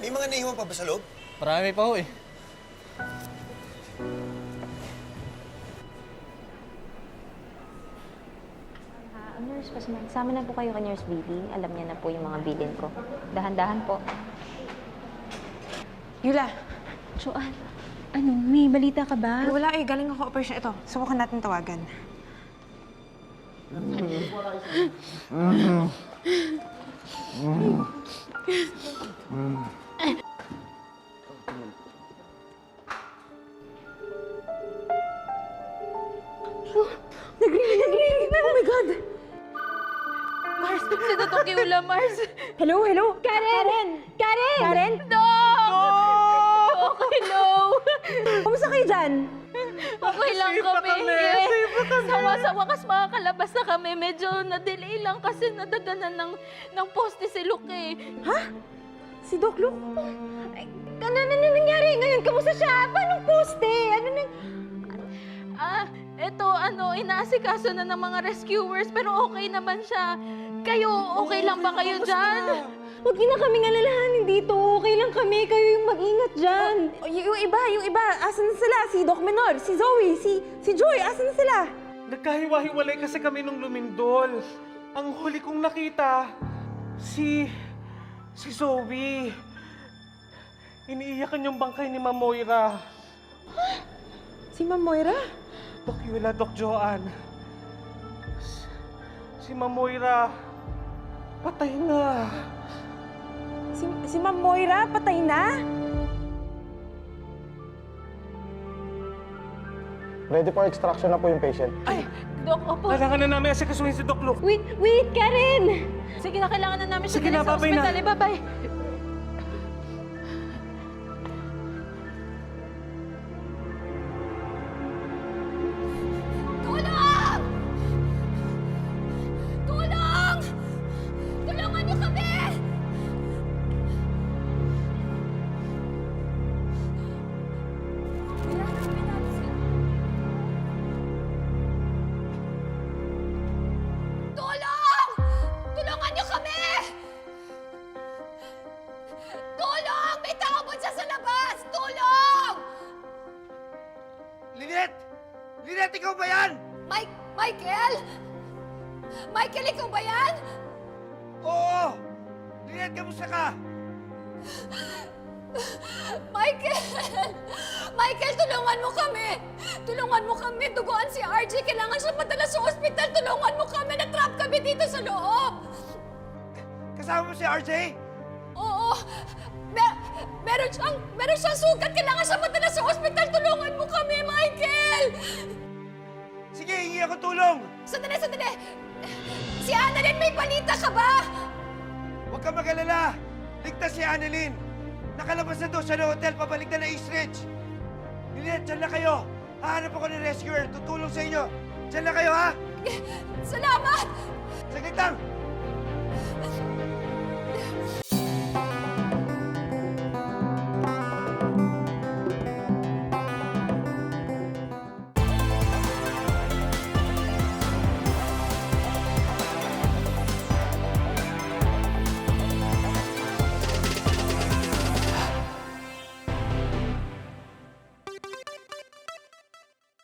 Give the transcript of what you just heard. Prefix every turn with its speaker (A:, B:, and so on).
A: May mga naiwan pa ba sa loob?
B: Marami pa ho eh.
C: Nurse, sama na po kayo kay Nurse Baby. Alam niya na po yung mga bilin ko. Dahan-dahan po.
D: Yula,
C: Joanne, ano, may balita ka ba?
D: wala eh. Galing ako operation. Ito, subukan natin tawagan. Nagrinig na! Oh my God!
E: Mars, sinatong Yula, Mars.
D: Hello, hello? Karen!
E: Karen!
D: Karen?
E: No! Okay, no.
D: Kumusta kayo dyan?
E: Okay lang kami. Sa wakas makakalabas na kami. Medyo na-delay lang kasi nadaganan ng poste si Luke eh.
D: Ha? Si Doc Luke? Ay, ano nangyari ngayon? Kamusta siya? Paano poste? Ano na?
E: Eto, inaasikaso na ng mga rescuers pero okay naman siya. Kayo, okay lang ba kayo dyan?
D: Huwag na kaming alalahanin dito. Okay lang kami. Kayo yung mag-ingat dyan. Yung iba. Asan na sila? Si Doc Menor, si Zoe, si Joy. Asan na sila?
F: Nagkahiwa-hiwalay kasi kami nung lumindol. Ang huli kong nakita, si Zoe. Iniiyakan yung bangkay ni Ma'am Moira.
D: Si Ma'am Moira?
F: Doc Yula, Doc Joanne. Si Ma'am Moira, patay na.
D: Si Ma'am Moira? Patay na?
G: Ready for extraction na po yung patient.
F: Ay!
E: Dok, opo.
F: Kailangan na namin asikasuhin si Doc Luke.
E: Wait, Karen! Sige na, kailangan na namin siya
F: Sige na,
E: sa
F: babay na.
E: ospital. Bye-bye. Tulong! Tulong! Tulungan niyo kami! Tulong! Tulungan niyo kami! Tulong! May tao ba dyan sa labas? Tulong!
A: Lynette! Lynette, ikaw ba yan?
E: Michael? Michael, ikaw ba yan?
A: Oo! Lynette, kamusta ka?
E: Michael! Michael, tulungan mo kami! Tulungan mo kami! Duguan si RJ! Kailangan siya padala sa ospital! Tulungan mo kami! Na-trap kami dito sa loob!
A: Kasama mo si RJ?
E: Oo! Meron siyang sugat! Kailangan siya padala sa ospital! Tulungan mo kami, Michael!
A: Sige, hingi ako tulong!
E: Sandali! Si Annalyn, may balita ka ba?
A: Huwag ka mag-alala! Ligtas si Annalyn! Nakalabas na doon siya ng hotel, pabalik na East Ridge! Lynette, dyan na kayo! Hahanap ako ng rescuer, tutulong sa inyo! Dyan na kayo, ha?
E: Salamat!
A: Saglit lang!